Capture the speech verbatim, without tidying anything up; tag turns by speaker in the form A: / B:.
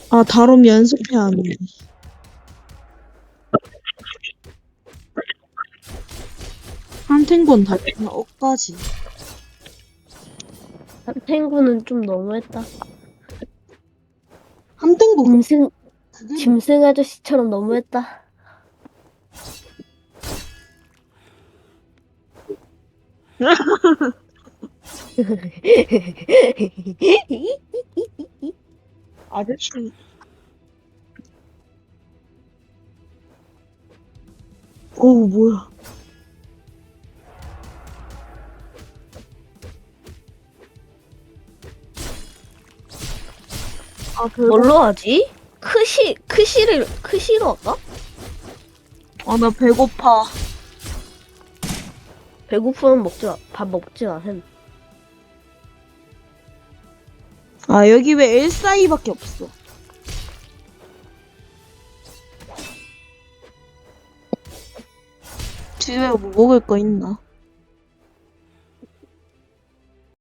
A: 아, 다롬 연습해야 하는데. 한탱곤 달면 억까지.
B: 탱구는 좀 너무했다.
A: 한탱곤 그-
B: 짐승,
A: 그게
B: 짐승 아저씨처럼 너무했다.
A: 아저씨. 어우, 뭐야. 아, 배고
B: 뭘로 하지? 크시, 크시를, 크시로 할까?
A: 아, 나 배고파.
B: 배고프면 먹지 마. 밥 먹지 마, 햄.
A: 아, 여기 왜 엘사이밖에 없어? 집에 뭐 먹을 거 있나?